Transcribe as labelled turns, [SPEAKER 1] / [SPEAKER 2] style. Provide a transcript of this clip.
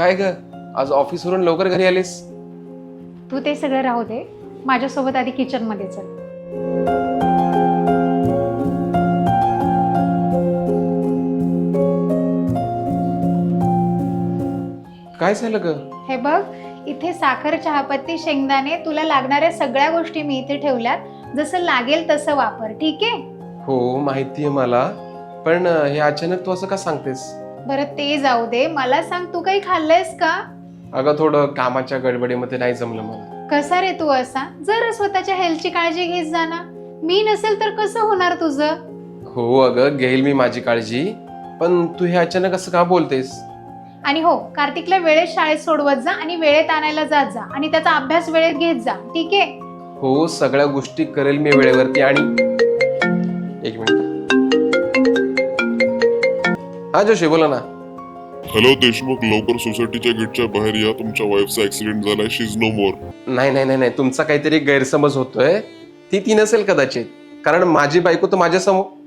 [SPEAKER 1] काय ग, आज ऑफिसवरून लवकर घरी आलीस?
[SPEAKER 2] तू ते सगळं राहू दे, माझ्यासोबत आधी किचन मध्ये चल.
[SPEAKER 1] काय झालं ग?
[SPEAKER 2] हे बघ, इथे साखर, चहापत्ती, शेंगदाणे, तुला लागणाऱ्या सगळ्या गोष्टी मी इथे ठेवल्यात. जसं लागेल तसं वापर, ठीक आहे?
[SPEAKER 1] हो माहितीये मला, पण हे अचानक तू असं का सांगतेस?
[SPEAKER 2] बरं ते जाऊ दे, मला सांग, तू काही खाल्लंयस का?
[SPEAKER 1] अगं थोडं कामाच्या गडबडीमध्ये नाही जमलं मला.
[SPEAKER 2] कसा रे तू असा? जरा स्वतःच्या हेल्थची काळजी घेत जा ना. मी नसेल तर कसं होणार तुझं?
[SPEAKER 1] हो अगं, घेईल मी माझी काळजी, पण तू हे अचानक असं का बोलतेस?
[SPEAKER 2] आणि हो, कार्तिकला वेळेत शाळेत सोडवत जा आणि वेळेत आणायला जात जा आणि त्याचा अभ्यास वेळेत घेत जा, ठीक आहे?
[SPEAKER 1] हो, सगळ्या गोष्टी करेल मी वेळेवरती. आणि एक मिनिट. हा जोशी, बोला ना.
[SPEAKER 3] हॅलो देशमुख, लवकर सोसायटीच्या गेटच्या बाहेर या. तुमच्या वाईफचा ऍक्सिडेंट झालाय. She is no more.
[SPEAKER 1] नाही नाही नाही नाही, तुमचा काहीतरी गैरसमज होतोय. ती नसेल कदाचित, कारण माझी बायको तर माझ्या समोर.